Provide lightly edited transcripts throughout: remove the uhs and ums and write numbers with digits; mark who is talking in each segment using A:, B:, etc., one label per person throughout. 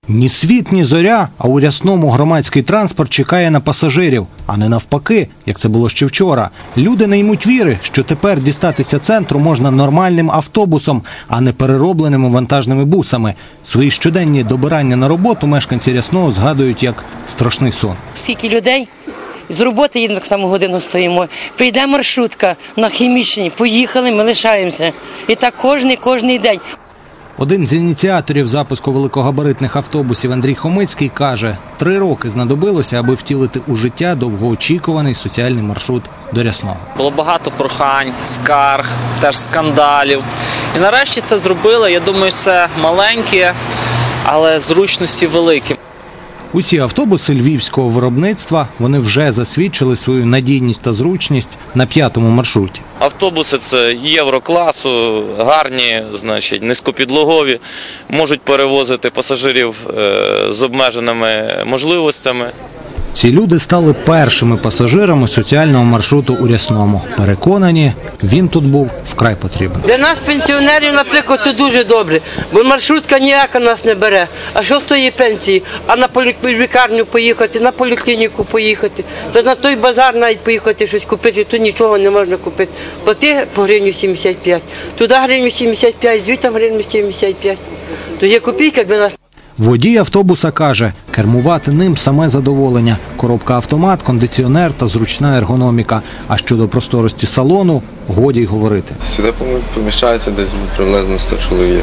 A: Ні світ, ні зоря, а у Рясному громадський транспорт чекає на пасажирів, а не навпаки, як це було ще вчора. Люди не ймуть віри, що тепер дістатися центру можна нормальним автобусом, а не переробленими вантажними бусами. Свої щоденні добирання на роботу мешканці Рясного згадують як страшний сон.
B: Скільки людей з роботи їдемо, так само годину стоїмо. Прийде маршрутка на Хімічній, поїхали, ми лишаємося. І так кожний день.
A: Один з ініціаторів запуску великогабаритних автобусів Андрій Хомицький каже, 3 роки знадобилося, аби втілити у життя довгоочікуваний соціальний маршрут до Рясного.
C: Було багато прохань, скарг, теж скандалів. І нарешті це зробили, я думаю, це маленьке, але зручності великі.
A: Усі автобуси львівського виробництва, вони вже засвідчили свою надійність та зручність на 5-му маршруті.
D: Автобуси – це єврокласу, гарні, низькопідлогові, можуть перевозити пасажирів з обмеженими можливостями.
A: Ці люди стали першими пасажирами соціального маршруту у Рясному. Переконані, він тут був вкрай потрібен.
E: Для нас, пенсіонерів, наприклад, це дуже добре, бо маршрутка ніяка нас не бере. А що з тої пенсії? А на лікарню поїхати, на поліклініку поїхати, то на той базар навіть поїхати щось купити, то нічого не можна купити. Плати по гривню 75, туди гривню 75, звідти гривню 75. То є копійка для нас.
A: Водій автобуса каже, кермувати ним саме задоволення. Коробка-автомат, кондиціонер та зручна ергономіка. А щодо просторості салону, годі й говорити.
F: Сюди поміщається десь приблизно 100 чоловік.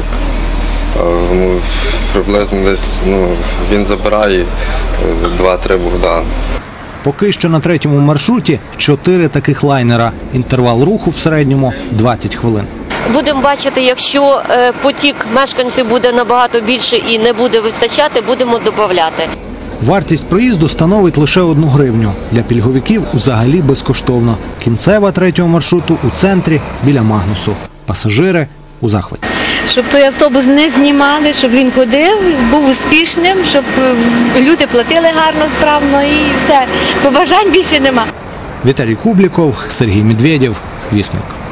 F: Приблизно десь він забирає 2-3 Богдани.
A: Поки що на 3-му маршруті 4 таких лайнера. Інтервал руху в середньому 20 хвилин.
G: Будемо бачити, якщо потік мешканців буде набагато більше і не буде вистачати, будемо додавати.
A: Вартість проїзду становить лише 1 гривню. Для пільговиків взагалі безкоштовно. Кінцева 3-го маршруту у центрі біля Магнусу. Пасажири у захваті.
H: Щоб той автобус не знімали, щоб він ходив, був успішним, щоб люди платили гарно, справно і все. Побажань більше нема.
A: Віталій Кубліков, Сергій Медведєв, Вісник.